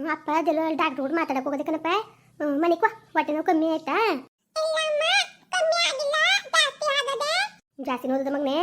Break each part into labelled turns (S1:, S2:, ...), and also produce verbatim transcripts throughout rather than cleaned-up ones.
S1: ಅಪ್ಪ ಅದೆಲ್ಲ ಡಾಕ್ಟರ್ ಕೂಡ ಮಾತಾಡಕ್ಕೆ ಹೋಗೋದೆ ಕಣಪ್ಪ. ಮನಿಕೋ ಹೊಟ್ಟೆ ನೋವು ಕಮ್ಮಿ ಆಯ್ತಾ? ಜಾಸ್ತಿ ನೋಡಿದ ಮಗನೇ.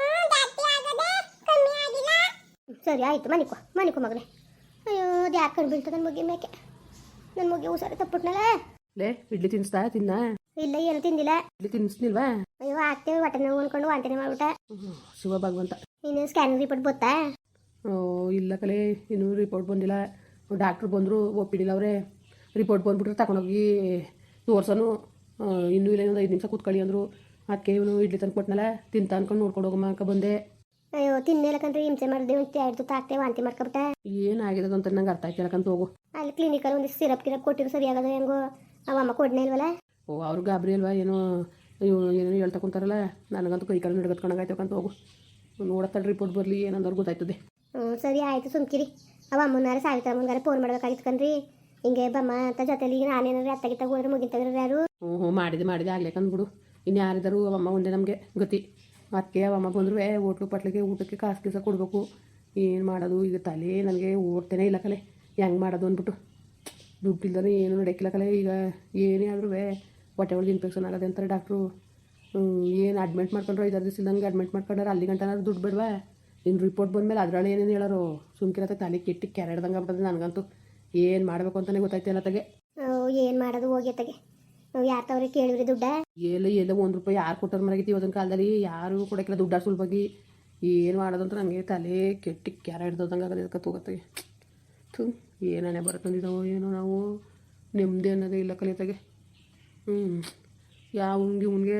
S1: ಸರಿ ಆಯ್ತು, ಮನಿಕೋ ಮನಿಕೋ ಮಗನೇ. ಅಯ್ಯೋ ಅದು ಯಾಕೆ ಕಣ್ ಬೀಳ್ತದೆ ನನ್ನ ಮುಗಿ ಮೇಕೆ. ನನ್ನ ಮುಗಿ ಹುಷಾರು ತಪ್ಪುಟ್ನಲ್ಲ.
S2: ಲೇ ಇಡ್ಲಿ ತಿನ್ನಿಸ್ತಾ ತಿನ್ನ?
S1: ಇಲ್ಲ ಏನು ತಿಂದಿಲ್ಲ.
S2: ಇಡ್ಲಿ ತಿನ್ನಿಸ್ನಿಲ್ವಾ?
S1: ಅಯ್ಯೋ ಆಗ್ತೇವೆ ಹೊಟ್ಟೆ ನೋವು ಅನ್ಕೊಂಡು ವಾಂತಿನೇ ಮಾಡ್ಬಿಟ್ಟ.
S2: ಶಿವ ಭಗವಂತ.
S1: ನೀನು ಸ್ಕ್ಯಾನಿಂಗ್ ರಿಪೋರ್ಟ್ ಗೊತ್ತಾ?
S2: ಇಲ್ಲ ಕಲೆ, ಇನ್ನೂ ರಿಪೋರ್ಟ್ ಬಂದಿಲ್ಲ. ಡಾಕ್ಟ್ರು ಬಂದರು ಒಪ್ಪಿಡಿಲ್ಲ ಅವರೇ. ರಿಪೋರ್ಟ್ ಬಂದ್ಬಿಟ್ರೆ ತಗೊಂಡೋಗಿ ತೋರ್ಸೋನು. ಇನ್ನೂ ಇಲ್ಲ ಇನ್ನೊಂದು ಐದು ನಿಮಿಷ ಕೂತ್ಕೊಳ್ಳಿ ಅಂದರು. ಅದಕ್ಕೆ ಇವನು ಇಡ್ಲಿ ತಂದು ಕೊಟ್ಟನಲ್ಲ, ತಿಂತ ಅನ್ಕೊಂಡು ನೋಡ್ಕೊಂಡು ಹೋಗಮ್ಮ ಅನ್ಕ ಬಂದೆ.
S1: ಅಯ್ಯೋ ತಿನ್ನೇಲಕಂದ್ರೆ ಹಿಂಸೆ ಮಾಡಿದೆ. ಒಂದು ಎರಡು ತಾಕ್ತೆ ವಾಂತಿ ಮಾಡ್ಕೊಬಿಟ್ಟ.
S2: ಏನಾಗಿದೆ ಅಂತ ನಂಗೆ ಅರ್ಥ ಆಯ್ತಿಲ್ಲಕಂತ ಹೋಗು.
S1: ಅಲ್ಲಿ ಕ್ಲಿನಿಕಲ್ಲಿ ಒಂದು ಸಿರಪ್ ಗಿರಪ್ ಕೊಟ್ಟಿರು ಸರಿಯಾಗದ ಹೆಂಗೋ. ಅವಮ್ಮ ಕೊಡ್ನೇ ಇಲ್ವಲ್ಲ.
S2: ಓ ಅವ್ರು ಗಾಬರಿ ಅಲ್ವಾ ಏನೋ ಇವ್ ಏನೋ ಹೇಳ್ತಾ ಕುಂತಾರಲ್ಲ. ನನಗಂತೂ ಕೈ ಕಾಲು ನಡ್ಗತ್ಕೊಂಡಾಗಾಯ್ತಕ್ಕಂತ ಹೋಗು. ನೋಡತ್ತಲ್ಲಿ ರಿಪೋರ್ಟ್ ಬರಲಿ ಏನಂದವ್ರು ಗೊತ್ತಾಯ್ತದೆ.
S1: ಹ್ಞೂ ಸರಿ ಆಯಿತು ಸುಮ್ಕಿರಿ. ಅವ ಅಮ್ಮನಾರ ಸಾವಿತ್ರ ಅಮ್ಮನಾರ ಫೋನ್ ಮಾಡ್ಬೇಕಾಗಿತ್ತು ಕಣ್ರಿ. ಹಿಂಗೆ ಬಮ್ಮ ಅಂತ ಜೊತೆಲಿ ಈಗ ನಾನೇನಾರು ಅತ್ತಗಿತ್ತ ಹೋದ್ರೆ ಮುಗಿತವ್ರು ಯಾರು. ಹ್ಞೂ
S2: ಹ್ಞೂ ಮಾಡಿದೆ ಮಾಡಿದೆ ಆಗ್ಲೇಕಂದ್ಬಿಡು. ಇನ್ನು ಯಾರಿದ್ದಾರು ಅವಮ್ಮ ಒಂದೇ ನಮಗೆ ಗತಿ. ಅದಕ್ಕೆ ಅವಮ್ಮ ಬಂದರೂ ಹೋಟ್ಲು ಪಟ್ಲಿಗೆ ಊಟಕ್ಕೆ ಕಾಸು ಕೀಸ ಕೊಡಬೇಕು. ಏನು ಮಾಡೋದು ಈಗ ತಲೆ ನನಗೆ ಓಡ್ತೇನೆ ಇಲ್ಲ ಕಲೆ. ಹೆಂಗೆ ಮಾಡೋದು ಅಂದ್ಬಿಟ್ಟು ದುಡ್ಡು ಇಲ್ದಾನೆ ಏನು ನಡೆಯಕ್ಕಿಲ್ಲ ಕಲೆ. ಈಗ ಏನೇ ಆದ್ರೂ ಹೊಟ್ಟೆ ಒಳಗೆ ಇನ್ಫೆಕ್ಷನ್ ಆಗೋದೆ ಅಂತಾರೆ ಡಾಕ್ಟ್ರು. ಏನು ಅಡ್ಮಿಟ್ ಮಾಡ್ಕೊಂಡ್ರು ಐದಾರು ದಿವಸ ಇಲ್ದಂಗೆ ಅಡ್ಮಿಟ್ ಮಾಡ್ಕೊಂಡ್ರೆ ಅಲ್ಲಿ ಗಂಟನಾದ್ರು ದುಡ್ಡು ಬೇಡವಾ? ಇನ್ನು ರಿಪೋರ್ಟ್ ಬಂದಮೇಲೆ ಅದರಲ್ಲಿ ಏನೇನು ಹೇಳೋರು ಸುಮ್ಕಿರತ್ತೆ. ತಲೆ ಕೆಟ್ಟಿ ಕೆರೆಡ್ದಂಗೆ ಆಗ್ಬಿಟ್ಟದೆ ನನಗಂತೂ. ಏನು ಮಾಡಬೇಕು ಅಂತಲೇ ಗೊತ್ತಾಯ್ತಿಲ್ಲ ತಗೆ.
S1: ಏನು ಮಾಡೋದು ಹೋಗಿ ತಗೆ. ಯಾರು ತವ್ರಿಗೆ ಕೇಳಿವ್ರಿ ದುಡ್ಡ?
S2: ಎಲ್ಲ ಎಲ್ಲ ಒಂದು ರೂಪಾಯಿ ಯಾರು ಕೊಟ್ಟರು ಮರಗಿತ್ತು ಇವತ್ತಿನ ಕಾಲದಲ್ಲಿ. ಯಾರು ಕೊಡೋಕ್ಕಿಲ್ಲ ದುಡ್ಡ ಸುಲಭವಾಗಿ. ಏನು ಮಾಡೋದು ಅಂತ ನನಗೆ ತಲೆ ಕೆಟ್ಟಿ ಕೆರೆ ಹಿಡ್ದಂಗೆ ಆಗೋದು. ಅದಕ್ಕೆ ತಗೋತಾಗೆ ಥೂ ಏನೇ ಬರ್ತಂದಿದ್ದಾವೋ ಏನೋ. ನಾವು ನೆಮ್ಮದಿ ಅನ್ನೋದೇ ಇಲ್ಲ ಕಲಿತಾಗೆ. ಹ್ಞೂ ಯಾವನ್ಗೆ ಇವನಿಗೆ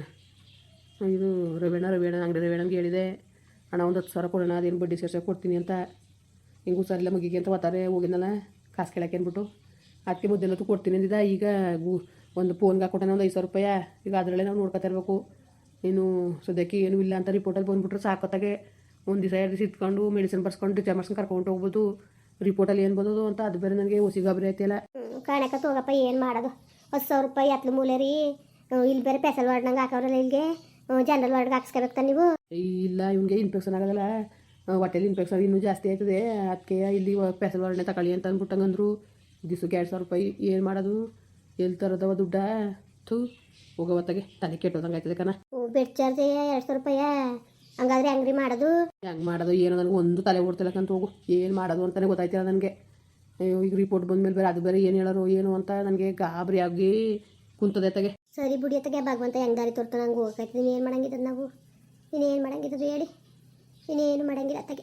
S2: ಇದು ರವೇಣ ರವೇಣ ಅಂಗಡಿ ರವೇಣಂಗೆ ಹೇಳಿದೆ ಅಣ್ಣ ಒಂದು ಹತ್ತು ಸಾವಿರ ಕೊಡೋಣ, ಅದೇನು ಬಡ್ಡಿ ಸೇರ್ಸೋಕೆ ಕೊಡ್ತೀನಿ ಅಂತ. ಹಿಂಗೆ ಹುಷಾರಿಲ್ಲ ಮಗಿಗೆ ಅಂತ ಒತ್ತಾರೆ ಹೋಗಿದ್ನಲ್ಲ ಕಾಸು ಕೇಳಕ್ಕೆ ಅಂದ್ಬಿಟ್ಟು. ಅದಕ್ಕೆ ಮುದ್ದೆಲ್ಲತ್ತು ಕೊಡ್ತೀನಿ ಅಂದಿದ್ದ. ಈಗ ಒಂದು ಫೋನ್ಗೆ ಹಾಕೊಟ್ಟೆ ಒಂದು ಐದು ಸಾವಿರ ರೂಪಾಯಿ. ಈಗ ಅದರಲ್ಲೇ ನಾವು ನೋಡ್ಕೊತಾ ಇರಬೇಕು. ಇನ್ನು ಸದ್ಯಕ್ಕೆ ಏನೂ ಇಲ್ಲ ಅಂತ ರಿಪೋರ್ಟಲ್ಲಿ ಬಂದುಬಿಟ್ರೆ ಸಾಕೋತ್ತಾಗೆ ಒಂದು ದಿವಸ ಎರಡು ದಿವಸ ಇಟ್ಕೊಂಡು ಮೆಡಿಸಿನ್ ಬರ್ಸ್ಕೊಂಡು ಡಿಚಾರ್ಜ್ ಮಾಡ್ಸ್ಕೊಂಡು ಕರ್ಕೊಂಡು ಹೋಗ್ಬೋದು. ರಿಪೋರ್ಟಲ್ಲಿ ಏನು ಬಂದದು ಅಂತ ಅದು ಬೇರೆ ನನಗೆ ಹೊಸಿ ಗಾಬರಿ ಆಯ್ತಿಲ್ಲ.
S1: ಕಾಣಕ ತೋಗಪ್ಪ ಏನು ಮಾಡೋದು. ಹತ್ತು ಸಾವಿರ ರೂಪಾಯಿ ಹತ್ಲು ಮೂಲೆ ರೀ. ಇಲ್ಲಿ ಬೇರೆ ಪೆಸಲ್ ವಾರ್ಡ್ನಂಗೆ ಹಾಕೋರಲ್ಲ. ಇಲ್ಲಿಗೆ ಜನರಲ್ ವಾರ್ಡ್ಗೆ ಹಾಕ್ಸ್ಕೋಬೇಕು ನೀವು.
S2: ಇಲ್ಲ ಇವ್ನಿಗೆ ಇನ್ಫೆಕ್ಷನ್ ಆಗೋದಲ್ಲ, ಹೊಟ್ಟೆಲಿ ಇನ್ಫೆಕ್ಷನ್ ಇನ್ನೂ ಜಾಸ್ತಿ ಆಯ್ತದೆ. ಅದಕ್ಕೆ ಇಲ್ಲಿ ಪೆಸಲ್ ವಾರ್ಡ್ನೇ ತಗೊಳ್ಳಿ ಅಂತ ಅಂದ್ಬಿಟ್ಟಂಗಂದ್ರು. ದಿವ್ಸಕ್ಕೆ ಎರಡು ಸಾವಿರ ರೂಪಾಯಿ ಏನು ಮಾಡೋದು? ಎಲ್ಲಿ ತರೋದವ ದುಡ್ಡ? ಥೂ ಹೋಗೋವತ್ತಾಗೆ ತಲೆ ಕೆಟ್ಟೋದಂಗೆ ಆಯ್ತದೆ ಕಣ.
S1: ಬೆಡ್ ಚಾರ್ಜ್ ಎರಡು ಸಾವಿರ ರೂಪಾಯಿ. ಹಂಗಾದ್ರೆ ಹೆಂಗ್ರಿ ಮಾಡೋದು?
S2: ಹೆಂಗೆ ಮಾಡೋದು ಏನೋ ನನಗೆ ಒಂದು ತಲೆ ಓಡ್ತಿಲ್ಲಕ್ಕಂತ ಹೋಗು. ಏನು ಮಾಡೋದು ಅಂತಲೇ ಗೊತ್ತಾಯ್ತಿಲ್ಲ ನನಗೆ. ಅಯ್ಯೋ ಈಗ ರಿಪೋರ್ಟ್ ಬಂದಮೇಲೆ ಬೇರೆ ಅದು ಬೇರೆ ಏನು ಹೇಳೋರು ಏನು ಅಂತ ನನಗೆ ಗಾಬರಿ ಆಗಿ ಕುಂತದೆ ತಗೆ.
S1: ಸರಿ ಬಿಡಿ ಅತ್ತಗೆ ಭಗವಂತ ಹೆಂಗೆ ದಾರಿ ತೋರ್ತಾನೆ ಹಂಗೆ ಹೋಗ್ತಾಯ್ತು. ನೀನು ಏನು ಮಾಡಂಗಿದ್ದದು ನಾವು? ಇನ್ನೇನು ಮಾಡಂಗಿದ್ದದು ಹೇಳಿ? ಇನ್ನೇನು ಮಾಡಂಗಿಲ್ಲ ಅತ್ತಗೆ.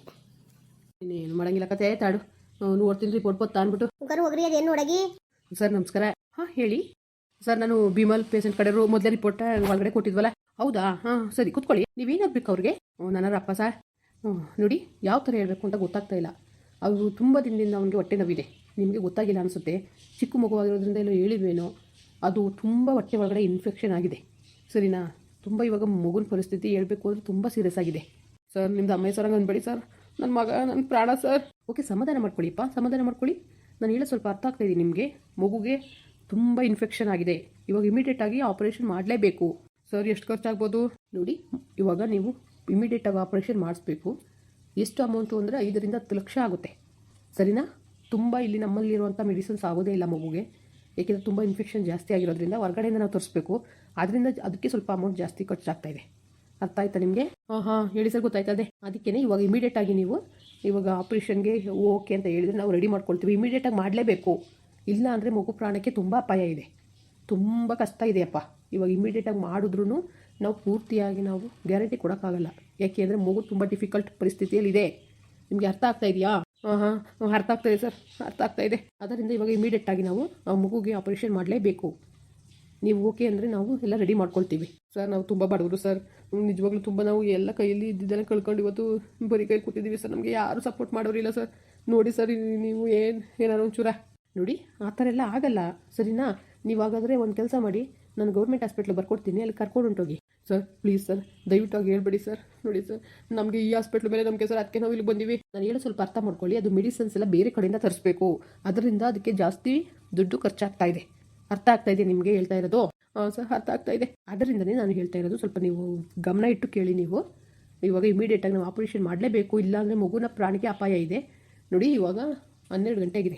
S2: ಇನ್ನೇನು ಮಾಡಂಗಿಲ್ಲ ಕತೆ ತಾಡು ನೋಡ್ತೀನಿ ರಿಪೋರ್ಟ್ ಬತ್ತಾ ಅಂದ್ಬಿಟ್ಟು.
S1: ಮುಖರು ಹೋಗ್ರಿ ಅದೇನು ನೋಡಗಿ.
S2: ಸರ್ ನಮಸ್ಕಾರ. ಹಾಂ ಹೇಳಿ ಸರ್. ನಾನು ಬಿಮಲ್ ಪೇಷೆಂಟ್ ಕಡೆ ಮೊದಲೇ ರಿಪೋರ್ಟ್ ಒಳಗಡೆ ಕೊಟ್ಟಿದ್ವಲ್ಲ. ಹೌದಾ? ಹಾಂ ಸರಿ ಕೂತ್ಕೊಳ್ಳಿ. ನೀವೇನಾಗಬೇಕು ಅವ್ರಿಗೆ? ನನ್ನ ಅಪ್ಪ ಸರ್. ಹ್ಞೂ ನೋಡಿ ಯಾವ ಥರ ಹೇಳಬೇಕು ಅಂತ ಗೊತ್ತಾಗ್ತಾ ಇಲ್ಲ. ಅವರು ತುಂಬ ದಿನದಿಂದ ಅವನಿಗೆ ಹೊಟ್ಟೆ ನೋವಿದೆ. ನಿಮಗೆ ಗೊತ್ತಾಗಿಲ್ಲ ಅನಿಸುತ್ತೆ. ಚಿಕ್ಕ ಮಗುವಾಗಿರೋದ್ರಿಂದ ಎಲ್ಲೋ ಹೇಳಿದ್ವೇನೋ. ಅದು ತುಂಬ ಹೊಟ್ಟೆ ಒಳಗಡೆ ಇನ್ಫೆಕ್ಷನ್ ಆಗಿದೆ. ಸರಿನಾ? ತುಂಬ ಇವಾಗ ಮಗುನ ಪರಿಸ್ಥಿತಿ ಹೇಳ್ಬೇಕು ಅಂದರೆ ತುಂಬ ಸೀರಿಯಸ್ ಆಗಿದೆ ಸರ್. ನಿಮ್ದು ಅಮ್ಮ ಸರ್ ಅನ್ಬೇಡಿ ಸರ್. ನನ್ನ ಮಗ ನನ್ನ ಪ್ರಾಣ ಸರ್. ಓಕೆ ಸಮಾಧಾನ ಮಾಡ್ಕೊಳ್ಳಿಪ್ಪ, ಸಮಾಧಾನ ಮಾಡ್ಕೊಳ್ಳಿ. ನಾನು ಹೇಳೋ ಸ್ವಲ್ಪ ಅರ್ಥ ಆಗ್ತಾಯಿದ್ದೀನಿ ನಿಮಗೆ. ಮಗುಗೆ ತುಂಬ ಇನ್ಫೆಕ್ಷನ್ ಆಗಿದೆ. ಇವಾಗ ಇಮಿಡಿಯೇಟಾಗಿ ಆಪರೇಷನ್ ಮಾಡಲೇಬೇಕು ಸರ್. ಎಷ್ಟು ಖರ್ಚಾಗ್ಬೋದು ನೋಡಿ. ಇವಾಗ ನೀವು ಇಮಿಡಿಯೇಟಾಗಿ ಆಪರೇಷನ್ ಮಾಡಿಸ್ಬೇಕು. ಎಷ್ಟು ಅಮೌಂಟು ಅಂದರೆ ಐದರಿಂದ ಹತ್ತು ಲಕ್ಷ ಆಗುತ್ತೆ. ಸರಿನಾ? ತುಂಬ ಇಲ್ಲಿ ನಮ್ಮಲ್ಲಿರುವಂಥ ಮೆಡಿಸಿನ್ಸ್ ಆಗೋದೇ ಇಲ್ಲ ಮಗುಗೆ. ಏಕೆಂದರೆ ತುಂಬ ಇನ್ಫೆಕ್ಷನ್ ಜಾಸ್ತಿ ಆಗಿರೋದ್ರಿಂದ ಹೊರಗಡೆಯಿಂದ ನಾವು ತರಿಸ್ಬೇಕು. ಅದರಿಂದ ಅದಕ್ಕೆ ಸ್ವಲ್ಪ ಅಮೌಂಟ್ ಜಾಸ್ತಿ ಖರ್ಚಾಗ್ತಾಯಿದೆ. ಅರ್ಥ ಆಯ್ತಾ ನಿಮಗೆ? ಹಾಂ ಹಾಂ ಹೇಳಿ ಸರ್ ಗೊತ್ತಾಯ್ತದೆ. ಅದಕ್ಕೇ ಇವಾಗ ಇಮಿಡಿಯೇಟಾಗಿ ನೀವು ಇವಾಗ ಆಪ್ರೇಷನ್ಗೆ ಓಕೆ ಅಂತ ಹೇಳಿದ್ರೆ ನಾವು ರೆಡಿ ಮಾಡ್ಕೊಳ್ತೀವಿ. ಇಮಿಡಿಯೇಟಾಗಿ ಮಾಡಲೇಬೇಕು. ಇಲ್ಲ ಅಂದರೆ ಮಗು ಪ್ರಾಣಕ್ಕೆ ತುಂಬ ಅಪಾಯ ಇದೆ. ತುಂಬ ಕಷ್ಟ ಇದೆಯಪ್ಪ. ಇವಾಗ ಇಮಿಡಿಯೇಟಾಗಿ ಮಾಡಿದ್ರೂ ನಾವು ಪೂರ್ತಿಯಾಗಿ ನಾವು ಗ್ಯಾರಂಟಿ ಕೊಡೋಕ್ಕಾಗಲ್ಲ. ಯಾಕೆ ಅಂದರೆ ಮಗು ತುಂಬ ಡಿಫಿಕಲ್ಟ್ ಪರಿಸ್ಥಿತಿಯಲ್ಲಿದೆ. ನಿಮಗೆ ಅರ್ಥ ಆಗ್ತಾ ಇದೆಯಾ? ಹಾಂ ಹಾಂ ಅರ್ಥ ಆಗ್ತಾಯಿದೆ ಸರ್, ಅರ್ಥ ಆಗ್ತಾಯಿದೆ. ಅದರಿಂದ ಇವಾಗ ಇಮಿಡಿಯೇಟಾಗಿ ನಾವು ಆ ಮಗುಗೆ ಆಪರೇಷನ್ ಮಾಡಲೇಬೇಕು. ನೀವು ಓಕೆ ಅಂದರೆ ನಾವು ಎಲ್ಲ ರೆಡಿ ಮಾಡ್ಕೊಳ್ತೀವಿ ಸರ್. ನಾವು ತುಂಬ ಬಡವರು ಸರ್. ನಿಜವಾಗ್ಲೂ ತುಂಬ ನಾವು ಎಲ್ಲ ಕೈಯಲ್ಲಿ ಇದ್ದಿದ್ದೆಲ್ಲ ಕಳ್ಕೊಂಡು ಇವತ್ತು ಬರೀ ಕೈ ಕೂತಿದ್ದೀವಿ ಸರ್. ನಮಗೆ ಯಾರೂ ಸಪೋರ್ಟ್ ಮಾಡೋರಿಲ್ಲ ಸರ್. ನೋಡಿ ಸರ್ ನೀವು ಏನು ಏನಾರು ಒಂಚೂರ ನೋಡಿ. ಆ ಥರ ಎಲ್ಲ ಆಗಲ್ಲ ಸರಿನಾ? ನೀವಾಗಾದರೆ ಒಂದು ಕೆಲಸ ಮಾಡಿ, ನಾನು ಗೌರ್ಮೆಂಟ್ ಹಾಸ್ಪಿಟ್ಲಿಗೆ ಬರ್ಕೊಡ್ತೀನಿ, ಅಲ್ಲಿ ಕರ್ಕೊಂಡು ಹೊಂಟೋಗಿ ಸರ್. ಪ್ಲೀಸ್ ಸರ್ ದಯವಿಟ್ಟು ಹೇಳ್ಬೇಡಿ ಸರ್. ನೋಡಿ ಸರ್ ನಮಗೆ ಈ ಹಾಸ್ಪಿಟ್ಲ್ ಮೇಲೆ ನಮಗೆ ಸರ್, ಅದಕ್ಕೆ ನಾವು ಇಲ್ಲಿ ಬಂದೀವಿ. ನಾನು ಹೇಳೋ ಸ್ವಲ್ಪ ಅರ್ಥ ಮಾಡ್ಕೊಳ್ಳಿ. ಅದು ಮೆಡಿಸಿನ್ಸ್ ಎಲ್ಲ ಬೇರೆ ಕಡೆಯಿಂದ ತರಿಸ್ಬೇಕು. ಅದರಿಂದ ಅದಕ್ಕೆ ಜಾಸ್ತಿ ದುಡ್ಡು ಖರ್ಚಾಗ್ತಾ ಇದೆ. ಅರ್ಥ ಆಗ್ತಾ ಇದೆ ನಿಮಗೆ ಹೇಳ್ತಾ ಇರೋದು? ಹಾಂ ಸರ್ ಅರ್ಥ ಆಗ್ತಾ ಇದೆ. ಅದರಿಂದನೇ ನಾನು ಹೇಳ್ತಾ ಇರೋದು. ಸ್ವಲ್ಪ ನೀವು ಗಮನ ಇಟ್ಟು ಕೇಳಿ. ನೀವು ಇವಾಗ ಇಮಿಡಿಯೇಟಾಗಿ ನಾವು ಆಪರೇಷನ್ ಮಾಡಲೇಬೇಕು. ಇಲ್ಲಾಂದರೆ ಮಗುನ ಪ್ರಾಣಿಗೆ ಅಪಾಯ ಇದೆ. ನೋಡಿ ಇವಾಗ ಹನ್ನೆರಡು ಗಂಟೆ ಆಗಿದೆ.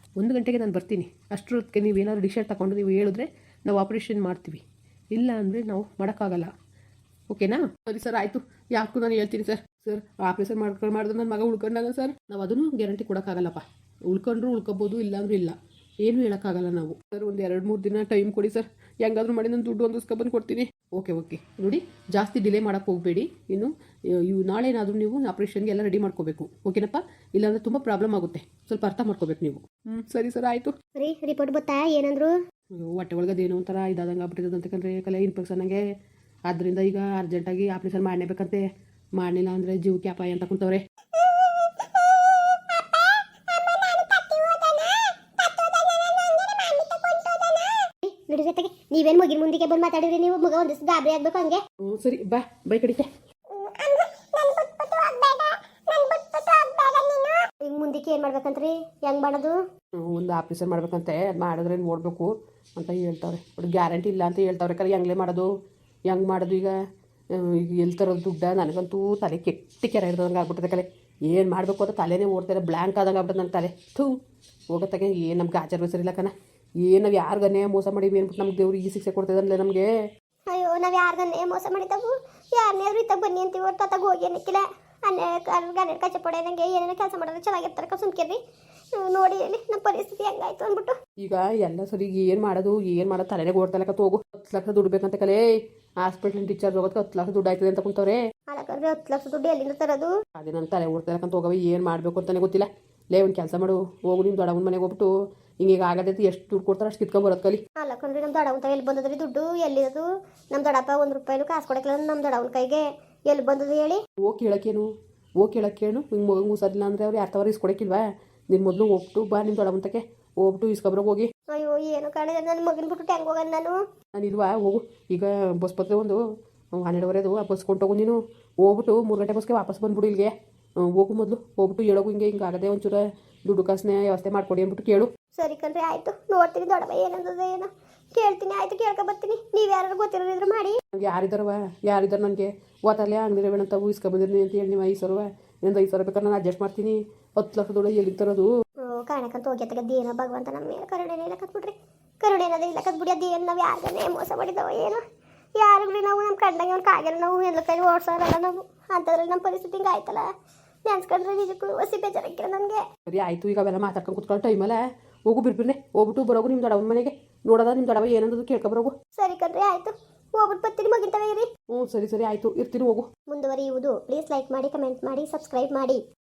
S2: ಒಂದು ಗಂಟೆಗೆ ನಾನು ಬರ್ತೀನಿ. ಅಷ್ಟರೊತ್ತಿಗೆ ನೀವೇನಾದ್ರು ಡಿಸಿಷನ್ ತಗೊಂಡು ನೀವು ಹೇಳಿದ್ರೆ ನಾವು ಆಪ್ರೇಷನ್ ಮಾಡ್ತೀವಿ, ಇಲ್ಲ ಅಂದರೆ ನಾವು ಮಾಡೋಕ್ಕಾಗಲ್ಲ. ಓಕೆನಾ? ಸರಿ ಸರ್, ಆಯಿತು. ಯಾಕೂ ನಾನು ಹೇಳ್ತೀನಿ ಸರ್. ಸರ್ ಆಪ್ರೇಷನ್ ಮಾಡ್ಕೊಂಡು ಮಾಡಿದ್ರೆ ನನ್ನ ಮಗ ಉಳ್ಕೊಂಡಾಗ ಸರ್, ನಾವು ಅದನ್ನು ಗ್ಯಾರಂಟಿ ಕೊಡೋಕ್ಕಾಗಲ್ಲಪ್ಪ. ಉಳ್ಕೊಂಡ್ರು ಉಳ್ಕೊಬೋದು, ಇಲ್ಲಾಂದ್ರೂ ಇಲ್ಲ, ಏನೂ ಹೇಳೋಕ್ಕಾಗಲ್ಲ ನಾವು. ಸರ್ ಒಂದು ಎರಡು ಮೂರು ದಿನ ಟೈಮ್ ಕೊಡಿ ಸರ್, ಹೆಂಗಾದ್ರೂ ಮಾಡಿ ನಾನು ದುಡ್ಡು ಹೊಂದಿಸ್ಕೊಬಂದು ಕೊಡ್ತೀನಿ. ಓಕೆ ಓಕೆ ನೋಡಿ, ಜಾಸ್ತಿ ಡಿಲೇ ಮಾಡೋಕ್ಕೆ ಹೋಗಬೇಡಿ. ಇನ್ನು ಇವು ನಾಳೆ ಏನಾದರೂ ನೀವು ಆಪ್ರೇಷನ್ಗೆ ಎಲ್ಲ ರೆಡಿ ಮಾಡ್ಕೋಬೇಕು. ಓಕೆನಪ್ಪ? ಇಲ್ಲಾಂದರೆ ತುಂಬ ಪ್ರಾಬ್ಲಮ್ ಆಗುತ್ತೆ, ಸ್ವಲ್ಪ ಅರ್ಥ ಮಾಡ್ಕೋಬೇಕು ನೀವು. ಹ್ಞೂ ಸರಿ ಸರ್, ಆಯಿತು.
S1: ರೀ ರಿಪೋರ್ಟ್ ಬತ್ತಾ ಏನಂದ್ರು?
S2: ಹೊಟ್ಟೆ ಒಳಗಡೆ ಏನೋ ಒಂಥರ ಇದಾದಂಗೆ ಆಗ್ಬಿಟ್ಟಿದೆ ಅಂತಕಂದ್ರೆ ಕಲೆ ಇನ್ಫೆಕ್ಷನ್ಗೆ. ಆದ್ದರಿಂದ ಈಗ ಅರ್ಜೆಂಟಾಗಿ ಆಪ್ರೇಷನ್ ಮಾಡಲೇಬೇಕಂತೆ. ಮಾಡಲಿಲ್ಲ ಅಂದರೆ ಜೀವಕ್ಕೆ ಅಪಾಯ ಅಂತ ಕುಂತವ್ರೆ.
S1: ನೋಡಿ ಜೊತೆಗೆ ನೀವೇನು ಮಗಿನ ಮುಂದಿಗೆ ಬಂದು ಮಾತಾಡಿದ್ರಿ, ನೀವು ಮಗ ಒಂದಿಷ್ಟು ಗಾಬರಿ ಆಗ್ಬೇಕು ಹಂಗೆ.
S2: ಹ್ಞೂ ಸರಿ, ಬಾ ಬೈ ಕಡಿಕೆ.
S1: ಈಗ ಮುಂದಕ್ಕೆ ಏನು ಮಾಡ್ಬೇಕಂತ್ರಿ? ಹೆಂಗ್ ಮಾಡೋದು?
S2: ಒಂದು ಆಪ್ರೇಷನ್ ಮಾಡ್ಬೇಕಂತೆ, ಅದು ಮಾಡಿದ್ರೆ ನೋಡಬೇಕು ಅಂತ ಹೇಳ್ತಾವ್ರೆ. ಬಟ್ ಗ್ಯಾರಂಟಿ ಇಲ್ಲ ಅಂತ ಹೇಳ್ತಾವ್ರೆ. ಕರೆ ಹೆಂಗ್ಲೇ ಮಾಡೋದು, ಹೆಂಗೆ ಮಾಡೋದು ಈಗ? ಈಗ ಎಲ್ಲಿ ತರೋದು ದುಡ್ಡ? ನನಗಂತೂ ತಲೆ ಕೆಟ್ಟಿ ಕೆರೆ ಇರೋದಂಗೆ ಆಗ್ಬಿಟ್ಟಿದೆ ಕಲೆ. ಏನು ಮಾಡಬೇಕು ಅಂತ ತಲೆನೇ ಓಡ್ತಾರೆ, ಬ್ಲ್ಯಾಂಕ್ ಆದಂಗೆ ಆಗ್ಬಿಟ್ಟದೆ ನನ್ನ ತಲೆ. ಥೂ ಹೋಗತ್ತಾಗೆ. ಏನು ನಮ್ಗೆ ಆಚಾರ ಸರಿಲ್ಲ ಕಣ. ಏನು ನಾವು ಯಾರಿಗನ್ನೇ ಮೋಸ ಮಾಡಿವಿ ಅಂದ್ಬಿಟ್ಟು ನಮ್ಗೆ ದೇವ್ರು ಈ ಶಿಕ್ಷೆ ಕೊಡ್ತಿದ್ದಲ್ಲ ನಮಗೆ.
S1: ಅಯ್ಯೋ, ನಾವು ಯಾರಿಗನ್ನೇ ಮೋಸ ಮಾಡಿದವು? ಯಾರನ್ನೇ ಇತ್ತಾಗ ಬನ್ನಿ ಅಂತೀವಿ, ಹೊರ್ತು ಅತ್ತಾಗ ಹೋಗಿ ಅನ್ನಕ್ಕಿಲ್ಲ. ಅನ್ನೇ ಗಣ್ಣ ಕಚ್ಚೆ ಪಡೆ ನಂಗೆ ಏನೇನೋ ಕೆಲಸ ಮಾಡೋದು ಚೆನ್ನಾಗಿರ್ತಾರೆ ಸುಮ್ಕಿರ್ರಿ. ನೋಡಿ ಹೇಳಿ ನಮ್ಮ ಪರಿಸ್ಥಿತಿ ಹೆಂಗಾಯ್ತು ಅಂದ್ಬಿಟ್ಟು.
S2: ಈಗ ಎಲ್ಲ ಸರಿ, ಏನು ಮಾಡೋದು ಏನು ಮಾಡೋದು ತಲೆನೇ ಓಡ್ತಲಕ್ಕ. ಹೋಗು, ಹತ್ತು ಲಕ್ಷ ದುಡ್ಡು ಬೇಕಂತ ಕಲೆ. ಹಾಸ್ಪಿಟ್ಲಿನ ಟೀಚರ್ ಹೋಗೋದಕ್ಕೆ ಹತ್ತು ಲಕ್ಷ ದುಡ್ಡು ಆಯ್ತದೆ ಅಂತ ಕುಂತವ್ರೆ.
S1: ಅಲ್ಲಕಂದ್ರೆ ಹತ್ತು ಲಕ್ಷ ದುಡ್ಡು ಎಲ್ಲಿಂದ ತರೋದು?
S2: ಅದೇ ನನ್ನ ತಲೆ ಓಡ್ತಲಕ್ಕಂತ ಹೋಗವೆ, ಏನು ಮಾಡಬೇಕು ಅಂತಲೇ ಗೊತ್ತಿಲ್ಲ. ಲೇ ಒಂದು ಕೆಲಸ ಮಾಡು, ಹೋಗು ನಿಮ್ಮ ದೊಡ್ಡವನ ಮನೆಗೆ ಹೋಗ್ಬಿಟ್ಟು ಹಿಂಗೀಗ ಆಗದೈತಿ, ಎಷ್ಟು ದುಡ್ಡು ಕೊಡ್ತಾರೆ ಅಷ್ಟು ಕಿತ್ಕೊಂಡ್ ಬರೋದು ಕಲಿ.
S1: ಅಲ್ಲಕಂದ್ರೆ ನಮ್ಮ ದೊಡ್ಡವನ ಎಲ್ಲಿ ಬಂದದ್ರಿ ದುಡ್ಡು? ಎಲ್ಲಿರೋದು? ನಮ್ಮ ದೊಡ್ಡಪ್ಪ ಒಂದು ರೂಪಾಯಿನೂ ಕಾಸು ಕೊಡಕ್ಕಿಲ್ಲ ನಮ್ಮ ದೊಡ್ಡವನ ಕೈಗೆ. ಎಲ್ಲಿ ಬಂದದು ಹೇಳಿ? ಹೋಗಿ
S2: ಕೇಳೋಕ್ಕೇನು, ಹೋಗಿ ಕೇಳೋಕ್ಕೇನು? ಹಿಂಗೆ ಮಗಂಗೆ ಹುಷಾರಿಲ್ಲ ಅಂದರೆ ಅವ್ರು ಯಾರು ತವರ ಇಸ್ಕೊಡಕ್ಕಿಲ್ವಾ? ನಿನ್ನ ಮೊದಲು ಹೋಗ್ಬಿಟ್ಟು ಬಾ, ನಿಮ್ಮ ದೊಡ್ಡವಂತಕ್ಕೆ ಹೋಗ್ಬಿಟ್ಟು ಇಸ್ಕೊಬ್ರಿಗೆ ಹೋಗಿ.
S1: ಅಯ್ಯೋ ಏನು ಕಾಣಿದೆ, ನನ್ನ ಮಗನ ಬಿಟ್ಟು ಹೆಂಗೆ ಹೋಗೋಣ ನಾನು?
S2: ನಾನು ಇಲ್ವಾ, ಹೋಗು. ಈಗ ಬಸ್ ಬರ್ತದೆ ಒಂದು ಹನ್ನೆರಡುವರೆದು, ಆ ಬಸ್ ಕೊಂಡೋಗು ನೀನು. ಹೋಗ್ಬಿಟ್ಟು ಮೂರು ಗಂಟೆ ಬಸ್ಗೆ ವಾಪಸ್ ಬಂದ್ಬಿಡು ಇಲ್ಲಿಗೆ. ಹೋಗು ಮೊದಲು, ಹೋಗ್ಬಿಟ್ಟು ಹೇಳೋಗು ಹಿಂಗೆ ಹಿಂಗೆ ಆಗದೆ ಒಂಚೂರು ದುಡ್ಡು ಕಾಸನ್ನೇ ವ್ಯವಸ್ಥೆ ಮಾಡ್ಕೊಡಿ ಅಂದ್ಬಿಟ್ಟು ಕೇಳು.
S1: ಸರಿ ಕಣ್ರಿ, ಆಯಿತು. ನೋಡ್ತೀನಿ ದೊಡ್ಡವ ಏನಂತದ ಏನೋ ಕೇಳ್ತೀನಿ. ಆಯಿತು, ಕೇಳ್ಕೊ ಬರ್ತೀನಿ. ನೀವು ಯಾರು ಗೊತ್ತಿರೋರಿದ್ರು ಮಾಡಿ.
S2: ಯಾರಿದ್ದಾರವ? ಯಾರಿದ್ದಾರೆ ನನಗೆ ಓತಲ್ಲೇ ಅಂಗಡಿ ರೇವಣಂತ ಇಸ್ಕೊಬಂದಿರ್ನಿ ಅಂತ ಹೇಳಿ ನೀವು ಐದು ಸಾವಿರ ಎಂದು ಐದು ಸಾವಿರ ಬೇಕಾದ್ರೆ ನಾನು ಅಡ್ಜಸ್ಟ್ ಮಾಡ್ತೀನಿ. ಹತ್ತು ಲಕ್ಷ ದುಡ್ಡು ಎಲ್ಲಿ ತರೋದು?
S1: ಕಾಣಕಂತ ಹೋಗ್ಯತ್ತಾಗ ಏನೋ ಭಗವಂತ ನಮ್ಮ ಮೇಲೆ ಕರುಣೆನೇ ಇಲ್ಲ ಕತ್ಬಿಡ್ರಿ. ಕರುಣೆ ಏನದ ಇಲ್ಲ ಕತ್ಬಿಡಿ. ಅದೇನು ನಾವು ಯಾರಿಗೇ ಮೋಸ ಮಾಡಿದವ ಏನೋ? ಯಾರಿಗ್ರಿ ನಾವು ನಮ್ಮ ಕಂಡಂಗೆ ಅವ್ನು ಕಾಗೆಲ್ಲ ನಾವು ಎಲ್ಲ ಕೈ ಓಡಿಸೋರಲ್ಲ ನಾವು. ಅಂಥದ್ರಲ್ಲಿ ನಮ್ಮ ಪರಿಸ್ಥಿತಿ ಹಿಂಗೆ ಆಯ್ತಲ್ಲ, ನೆನ್ಸ್ಕೊಂಡ್ರೆ ನಿಜಕ್ಕೂ ಹೊಸಿ ಬೇಜಾರಾಗಿಲ್ಲ ನನಗೆ.
S2: ಸರಿ ಆಯಿತು, ಈಗ ಅವೆಲ್ಲ ಮಾತಾಡ್ಕೊಂಡು ಕುತ್ಕೊಳ್ಳೋ ಟೈಮಲ್ಲ. ಹೋಗು ಬಿರ್ಬಿರ್ನೆ, ಹೋಗ್ಬಿಟ್ಟು ಬರೋಗು ನಿಮ್ಮ ದೊಡ್ಡವನ ಮನೆಗೆ. ನೋಡೋದ ನಿಮ್ಮ ದೊಡ್ಡವ ಏನಂದು ಕೇಳ್ಕೊಬರೋಗು.
S1: ಸರಿ ಕಣ್ರಿ, ಆಯಿತು. ಹೋಗ್ಬಿಟ್ಟು ಬರ್ತೀನಿ, ಮಗಿಂತವೇ ಇರಿ.
S2: ಹ್ಞೂ ಸರಿ ಸರಿ ಆಯಿತು, ಇರ್ತೀನಿ, ಹೋಗು.
S1: ಮುಂದುವರಿಯುವುದು. ಪ್ಲೀಸ್ ಲೈಕ್ ಮಾಡಿ, ಕಮೆಂಟ್ ಮಾಡಿ, ಸಬ್ಸ್ಕ್ರೈಬ್ ಮಾಡಿ.